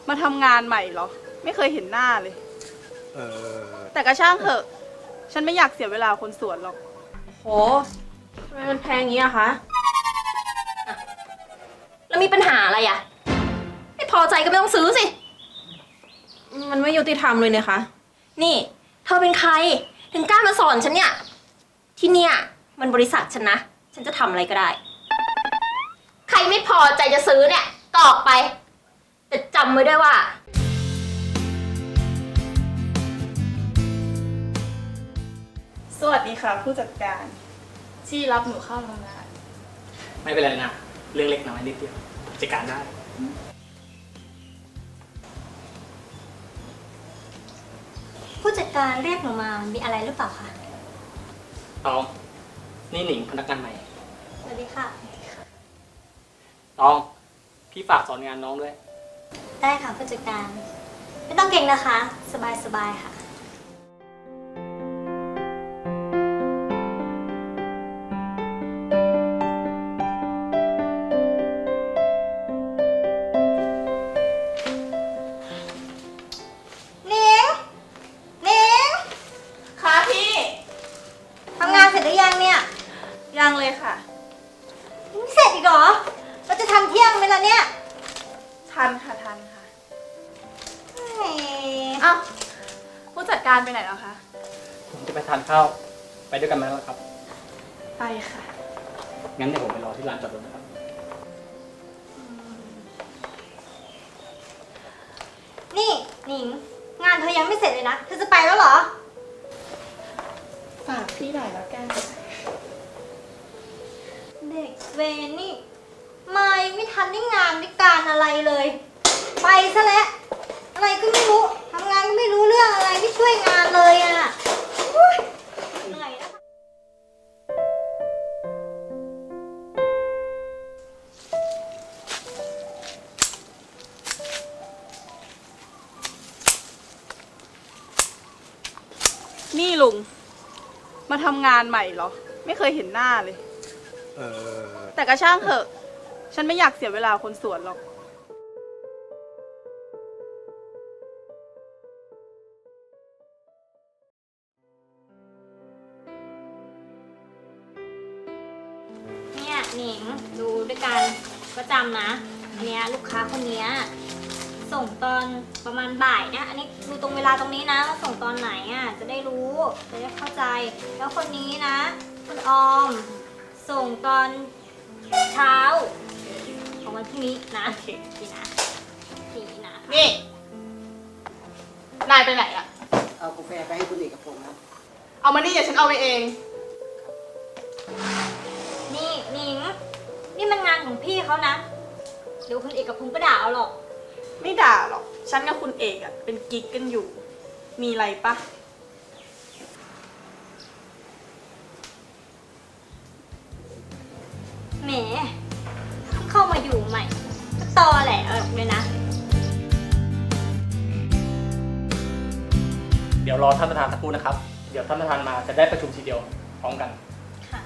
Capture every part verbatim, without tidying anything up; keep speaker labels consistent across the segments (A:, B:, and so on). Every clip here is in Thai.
A: มาทำงานใหม่เหรอไม่เคยเห็นหน้าเลย
B: เออ
A: แต่กระช่างเถอะฉันไม่อยากเสียเวลาคนสวนหรอก
C: โหทำไมมันแพงงี้อะคะแล้วมีปัญหาอะไรอะไม่พอใจก็ไม่ต้องซื้อสิมันไม่ยุติธรรมเลยเนี่ยคะนี่เธอเป็นใครถึงกล้ามาสอนฉันเนี่ยที่เนี่ยมันบริษัทฉันนะฉันจะทำอะไรก็ได้ใครไม่พอใจจะซื้อเนี่ยก็ออกไปแต่จำไว้ด้วยว่า
A: สวัสดีค่ะผู้จัดการที่รับหนูเข้าทำงาน
D: ไม่เป็นไรนะเรื่องเล็กน้อยนิดเดียวจัดการได้
E: ผู้จัดการเรียกหนูมามีอะไรหรือเปล่าคะ
D: ตองนี่หนิงพนักงานใหม่
E: สวัสดีค่ะ
D: ตองพี่ฝากสอนงานน้องด้วย
E: ได้ค่ะผู้จัดการไม่ต้องเก่งนะคะสบายสบายค่ะนิงนิง
A: ค่ะพี่
E: ทำงานเสร็จหรือยังเนี่ย
A: ยังเลยค่ะ
E: ยังไม่เสร็จอีกเหรอเราจะทำเที่ยงไหมล่ะเนี่ย
A: ทันค่ะทันค่ะ
E: แหม
A: อ้าวผู้จัดการไปไหนแล้วคะ
D: ผมจะไปทานข้าวไปด้วยกันไหมล่ะครับ
A: ไปค่ะ
D: งั้นเดี๋ยวผมไปรอที่ลานจอดรถนะครับ
E: นี่หนิงงานเธอยังไม่เสร็จเลยนะเธอจะไปแล้วเหรอ
A: ฝากพี่หน่อยแล้วกัน
E: เด็กเวรนี่มายังไม่ทันได้งานได้การอะไรเลยไปซะแล้วอะไรก็ไม่รู้ทำงานก็ไม่รู้เรื่องอะไรไม่ช่วยงานเลยอ่ะอุ๊ยเหนื่อยนะ
A: นี่ลุงมาทำงานใหม่เหรอไม่เคยเห็นหน้าเลย
B: เออ
A: แต่กระช่างเถอะฉันไม่อยากเสียเวลาคนสวนหรอก
E: เนี่ยหนิงดูด้วยกันประจำนะอันเนี้ยลูกค้าคนเนี้ยส่งตอนประมาณบ่ายเนี่ยอันนี้ดูตรงเวลาตรงนี้นะว่าส่งตอนไหนอ่ะจะได้รู้จะได้เข้าใจแล้วคนนี้นะคุณออมส่งตอนเช้าของวันพรุ่งนี้นะ
A: โอเค
E: นี่นะนี่นะ
A: นี่นายไปไหนอะ
F: เอากาแฟไปให้คุณเอกพงศ์ครับ
A: เอามานี่เดี๋ยวฉันเอาไปเอง
E: นี่หนิงนี่มันงานของพี่เขานะเดี๋ยวคุณเอกพงศ์ก็ด่าเอาหรอก
A: ไม่ด่าหรอกฉันกับคุณเอกอะเป็นกิ๊กกันอยู่ มีอะไรปะ
E: แหมเพิ่งเข้ามาอยู่ใหม่ก็ตอแหละเออเลยนะ
D: เดี๋ยวรอท่านประธานสักครู่นะครับเดี๋ยวท่านประธานมาจะได้ประชุมทีเดียวพร้อมกัน
E: ค่ะ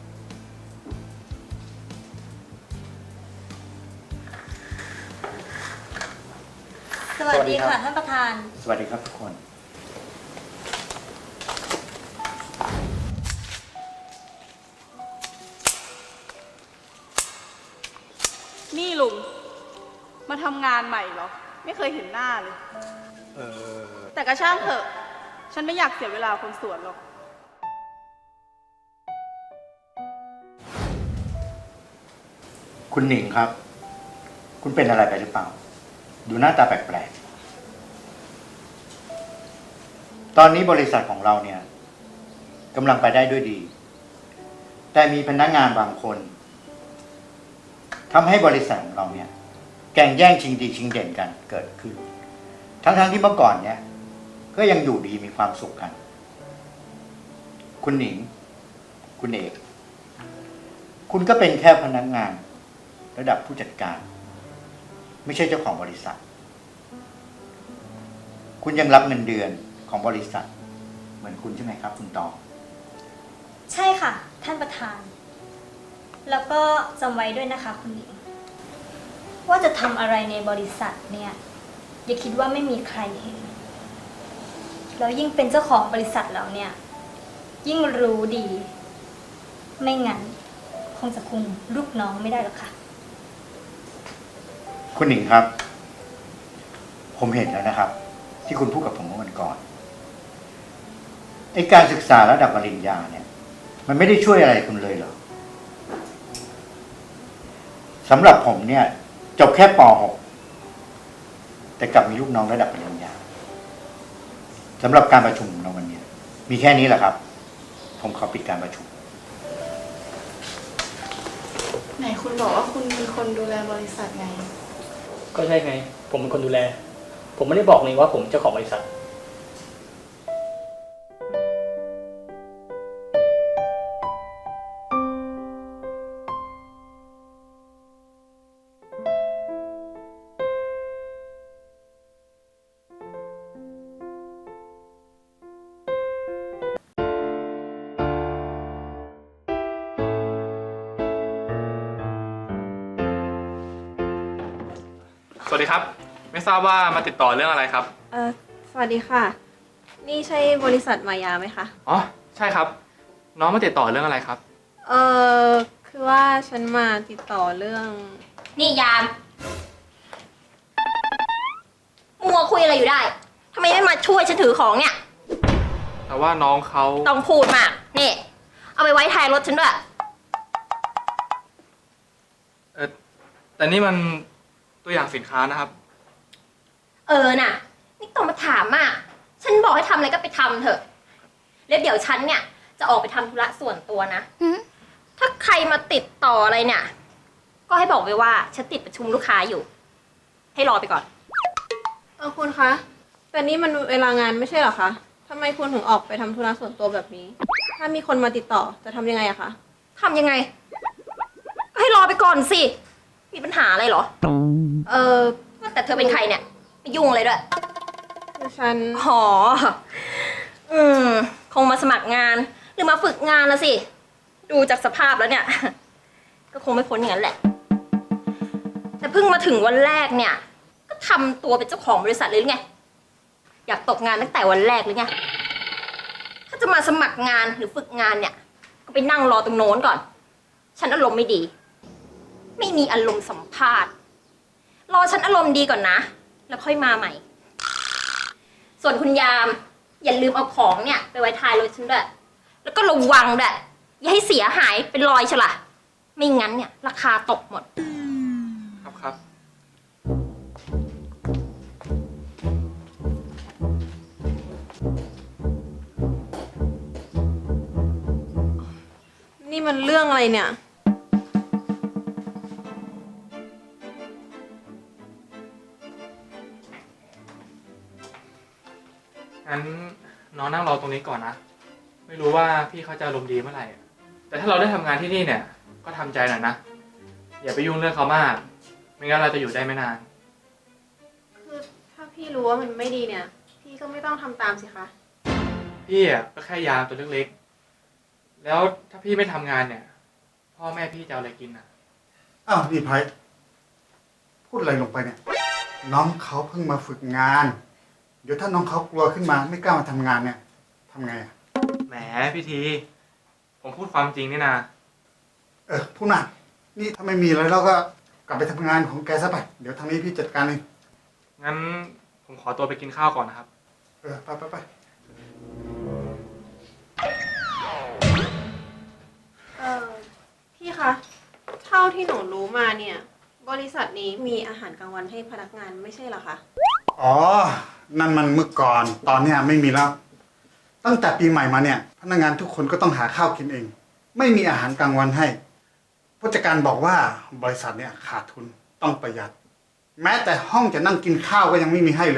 E: สวัสดีค่ะท่านประธาน
G: สวัสดีครับทุกคน
A: นี่ลุงมาทำงานใหม่เหรอไม่เคยเห็นหน้าเลย
B: เออ
A: แต่กระช่างเถอะฉันไม่อยากเสียเวลาคนสวนหรอก
G: คุณหนิงครับ คุณเป็นอะไรไปหรือเปล่า ดูหน้าตาแปลกๆตอนนี้บริษัทของเราเนี่ยกำลังไปได้ด้วยดี แต่มีพนักงานบางคนทำให้บริษัทของเราเนี่ยแข่งแย่งชิงดีชิงเด่นกันเกิดขึ้น ทั้งๆที่เมื่อก่อนเนี่ยก็ยังอยู่ดีมีความสุขกัน คุณหนิง คุณเอกคุณก็เป็นแค่พนักงานระดับผู้จัดการไม่ใช่เจ้าของบริษัทคุณยังรับเงินเดือนของบริษัทเหมือนคุณใช่ไหมครับคุณตอง
E: ใช่ค่ะท่านประธานแล้วก็จำไว้ด้วยนะคะคุณหญิงว่าจะทำอะไรในบริษัทเนี่ยอย่าคิดว่าไม่มีใครเห็น แล้วยิ่งเป็นเจ้าของบริษัทแล้วเนี่ย ยิ่งรู้ดี ไม่งั้น คงจะคุมลูกน้องไม่ได้หรอกค่ะ
G: คุณหนิงครับ ผมเห็นแล้วนะครับ ที่คุณพูดกับผมเมื่อวันก่อนไอการศึกษาระดับปริญญาเนี่ย มันไม่ได้ช่วยอะไรคุณเลยเหรอสำหรับผมเนี่ย จบแค่ป หก แต่กลับมีลูกน้องระดับปริญญาสำหรับการประชุมในวันนี้มีแค่นี้แหละครับ ผมขอปิดการประชุม
H: ไหนคุณบอกว่าคุณเป็นคนดูแลบริษัทไง
D: ก็ใช่ไง ผมเป็นคนดูแล ผมไม่ได้บอกเลยว่าผมเจ้าของบริษัท
I: สวัสดีครับ ไม่ทราบว่ามาติดต่อเรื่องอะไรครับ
C: เออสวัสดีค่ะ นี่ใช่บริษัทมายาไหมคะ
I: อ๋อ ใช่ครับ น้องมาติดต่อเรื่องอะไรครับ
C: เออคือว่าฉันมาติดต่อเรื่อง
E: นี่ยาม มัวคุยอะไรอยู่ได้ ทำไมไม่มาช่วยฉันถือของเนี่ย
I: แต่ว่าน้องเขา
E: ต้องพูดมาก นี่ เอาไปไว้ท้ายรถฉันด้วย
I: เออแต่นี่มันตัวอย่างสินค้านะครับ
E: เออน่ะ นี่ต้องมาถามมาก ฉันบอกให้ทำอะไรก็ไปทำเถอะ แล้วเดี๋ยวฉันเนี่ย จะออกไปทำธุระส่วนตัวนะ ถ้าใครมาติดต่ออะไรเนี่ย ก็ให้บอกไปว่าฉันติดประชุมลูกค้าอยู่ ให้รอไปก่อน
C: เออคุณคะ แต่นี่มันเวลางานไม่ใช่เหรอคะทำไมคุณถึงออกไปทำธุระส่วนตัวแบบนี้ ถ้ามีคนมาติดต่อจะทำยังไงอะคะ
E: ทำยังไง ก็ให้รอไปก่อนสิ มีปัญหาอะไรเหรอ
C: เออ
E: แต่เธอเป็นใครเนี่ย ไม่ยุ่งเลยด้วย
C: คือฉัน
E: อ๋อ อืม คงมาสมัครงาน หรือมาฝึกงานละสิ ดูจากสภาพแล้วเนี่ย ก็คงไม่พ้นอย่างนั้นแหละ แต่เพิ่งมาถึงวันแรกเนี่ย ก็ทำตัวเป็นเจ้าของบริษัทเลยหรือไง อยากตกงานตั้งแต่วันแรกหรือไง ถ้าจะมาสมัครงานหรือฝึกงานเนี่ย ก็ไปนั่งรอตรงโน้นก่อน ฉันอารมณ์ไม่ดี ไม่มีอารมณ์สัมภาษณ์ รอฉันอารมณ์ดีก่อนนะ แล้วค่อยมาใหม่ ส่วนคุณยาม อย่าลืมเอาของเนี่ยไปไว้ท้ายรถฉันด้วย แล้วก็ระวังด้วยอย่าให้เสียหายเป็นรอยฉละไม่งั้นเนี่ย ราคาตกหมด
I: ครับครับ
C: นี่มันเรื่องอะไรเนี่ย
I: งั้นน้องนั่งรอตรงนี้ก่อนนะ ไม่รู้ว่าพี่เขาจะอารมณ์ดีเมื่อไหร่อะแต่ถ้าเราได้ทำงานที่นี่เนี่ย ก็ทำใจหน่อยนะ อย่าไปยุ่งเรื่องเขามาก ไม่งั้นเราจะอยู่ได้ไม่นาน
C: คือถ้าพี่รู้ว่ามันไม่ดีเนี่ย พี่ก็ไม่ต้องทำตามสิคะ
I: พี่อ่ะก็แค่ยามตัวเล็กๆ แล้วถ้าพี่ไม่ทำงานเนี่ย พ่อแม่พี่จะเอาอะไรกินอ่ะ
J: อ้าวนี่ไพพูดอะไรลงไปเนี่ย น้องเขาเพิ่งมาฝึกงาน เดี๋ยวถ้าน้องเขากลัวขึ้นมาไม่กล้ามาทำงานเนี่ยทำไงอ่ะ
I: แหมพี่ที ผมพูดความจริงนี่นะ
J: เออพูดน่ะนี่ถ้าไม่มีอะไรเราก็กลับไปทำงานของแกซะไป เดี๋ยวทางนี้พี่จัดการเอง
I: งั้นผมขอตัวไปกินข้าวก่อนนะครับ
J: เออไปไปไป
C: เออพี่คะ เท่าที่หนูรู้มาเนี่ย บริษัทนี้มีอาหารกลางวันให้พนักงานไม่ใช่เหรอคะ
J: อ๋อ นั่นมันเมื่อก่อน ตอนเนี้ยไม่มีแล้ว ตั้งแต่ปีใหม่มาเนี่ย พนักงานทุกคนก็ต้องหาข้าวกินเอง ไม่มีอาหารกลางวันให้ผู้จัดการบอกว่าบริษัทเนี่ยขาดทุนต้องประหยัด แม้แต่ห้องจะนั่งกินข้าวก็ยังไม่มีให้เลย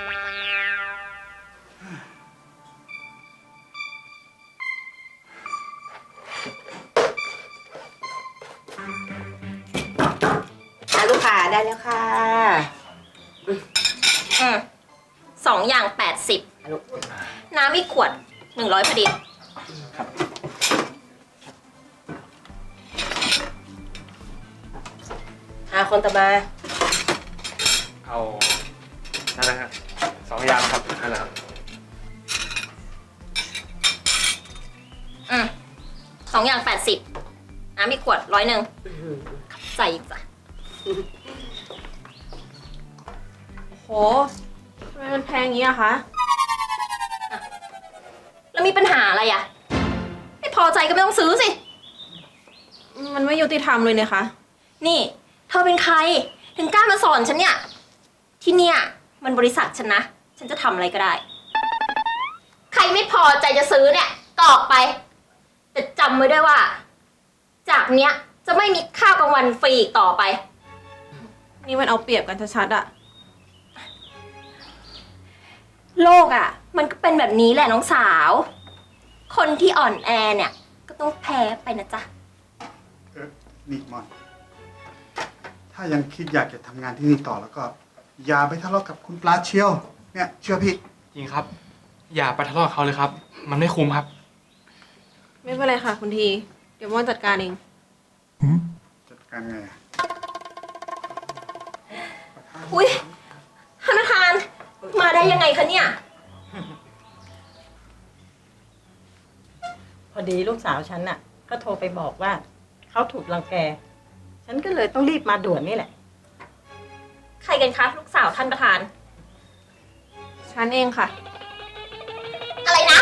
F: อ่ะลูกค้าได้แล้วค่ะ
E: อืมสองอย่างแปดสิบ น้ำอีกขวดหนึ่งร้อยพอดีอ่าคนต่อมา
I: เอาน้อะไรครับสองอย่างครับอะไรครับ
C: อืมสองอย่างแปดสิบน้ำมีขวดร้อยหนึ่งใส่อีกจ้ะโหทำไมมันแพงอย่างนี้อะคะอ่ะแล้วมีปัญหาอะไรอะไม่พอใจก็ไม่ต้องซื้อสิ มันไม่ยุติธรรมเลยนะคะ นี่ เธอเป็นใคร ถึงกล้ามาสอนฉันเนี่ย ที่เนี่ยมันบริษัทฉันนะ ฉันจะทำอะไรก็ได้ ใครไม่พอใจจะซื้อเนี่ยก็ออกไป แต่จำไว้ด้วยว่า จากเนี้ยจะไม่มีข้าวกลางวันฟรีอีกต่อไป นี่มันเอาเปรียบกันชัดๆอะโลกอะมันก็เป็นแบบนี้แหละน้องสาว คนที่อ่อนแอเนี่ย ก็ต้องแพ้ไปนะจ๊ะ
J: เออนี่มอน ถ้ายังคิดอยากจะทำงานที่นี่ต่อแล้วก็ อย่าไปทะเลาะกับคุณปลาเชียว เนี่ยเชื่อพี่
I: จริงครับ อย่าไปทะเลาะกับเขาเลยครับ มันไม่คุ้มครับ
C: ไม่เป็นไรค่ะคุณที เดี๋ยวม่อนจัดการเอง
J: จัดการไงอะ
C: อุ้ยท่านประธาน มาได้ยังไงคะเนี่ย
F: พอดีลูกสาวฉันน่ะ ก็โทรไปบอกว่าเขาถูกรังแก ฉันก็เลยต้องรีบมาด่วนนี่แหละ
C: ใครกันคะลูกสาวท่านประธาน ฉันเองค่ะ อะไรนะ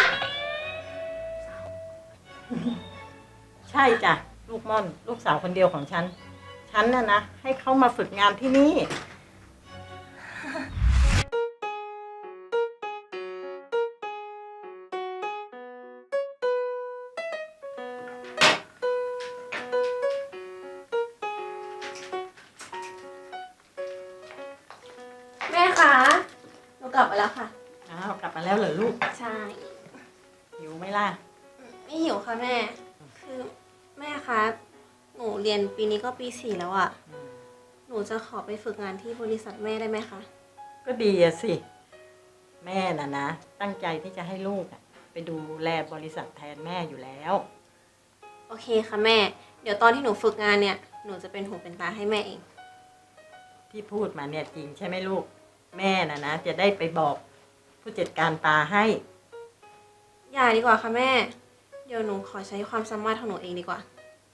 F: ใช่จ้ะลูกม่อนลูกสาวคนเดียวของฉัน ฉันน่ะนะให้เขามาฝึกงานที่นี่
C: แม่คะหนูกลับมาแล้วค่ะ
F: อ้าวกลับมาแล้วเหรอลูก
C: ใช่
F: หิวไหมล่ะ
C: ไม่หิวค่ะแม่ คือแม่คะ หนูเรียนปีนี้ก็ปีสี่แล้วอะหนูจะขอไปฝึกงานที่บริษัทแม่ได้ไหมคะ
F: ก็ดีอะสิ แม่น่ะนะ ตั้งใจที่จะให้ลูกอะไปดูแลบริษัทแทนแม่อยู่แล้ว
C: โอเคค่ะแม่ เดี๋ยวตอนที่หนูฝึกงานเนี่ย หนูจะเป็นหูเป็นตาให้แม่เอง
F: ที่พูดมาเนี่ยจริงใช่ไหมลูก แม่น่ะนะจะได้ไปบอกผู้จัดการปลาให้
C: อย่าดีกว่าค่ะแม่ เดี๋ยวหนูขอใช้ความสามารถของหนูเองดีกว่า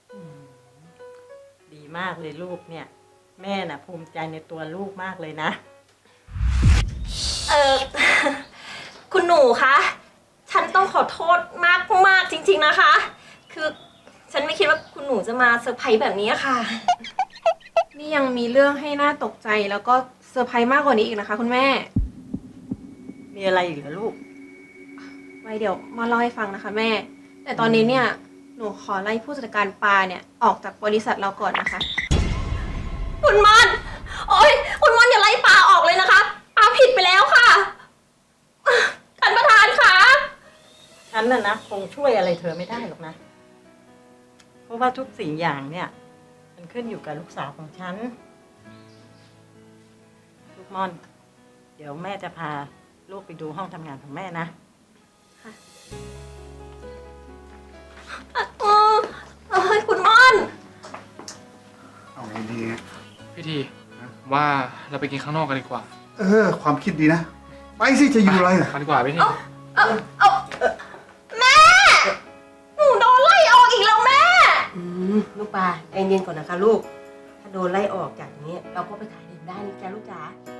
F: ดีมากเลยลูกเนี่ย แม่น่ะภูมิใจในตัวลูกมากเลยนะ
C: เออ คุณหนูคะ ฉันต้องขอโทษมากมากจริงๆนะคะ คือฉันไม่คิดว่าคุณหนูจะมาเซอร์ไพรส์แบบนี้ค่ะ นี่ยังมีเรื่องให้น่าตกใจแล้วก็เซอร์ไพรส์มากกว่านี้อีกนะคะ คุณแม่
F: มีอะไรอีกเหรอลูก
C: ไว้เดี๋ยวมาเล่าให้ฟังนะคะแม่ แต่ตอนนี้เนี่ย หนูขอไล่ผู้จัดการปลาเนี่ยออกจากบริษัทเราก่อนนะคะ คุณมอนโอ๊ยคุณมอนอย่าไล่ปลาออกเลยนะคะปลาผิดไปแล้วค่ะท่านประธานคะ
F: ฉันน่ะนะคงช่วยอะไรเธอไม่ได้หรอกนะ เพราะว่าทุกสิ่งอย่างเนี่ย มันขึ้นอยู่กับลูกสาวของฉัน ลูกม่อน เดี๋ยวแม่จะพาลูกไปดูห้องทำงานของแม่นะ
C: เออเอ้ยคุณมอน
J: เอาไงดีเนี่ย
I: พี่ทีว่าเราไปกินข้างนอกกันดีกว่า
J: เออ ความคิดดีนะ ไปสิจะอยู่อะไรล่ะ
I: ไปดีกว่าพี่ที
C: เอาเอาแม่ หนูโดนไล่ออกอีกแล้วแม่
F: อืมลูกปลาใจเย็นก่อนนะคะลูก ถ้าโดนไล่ออกจากนี้ เราก็ไปขายเดิมได้นะจ๊ะลูกจ๋า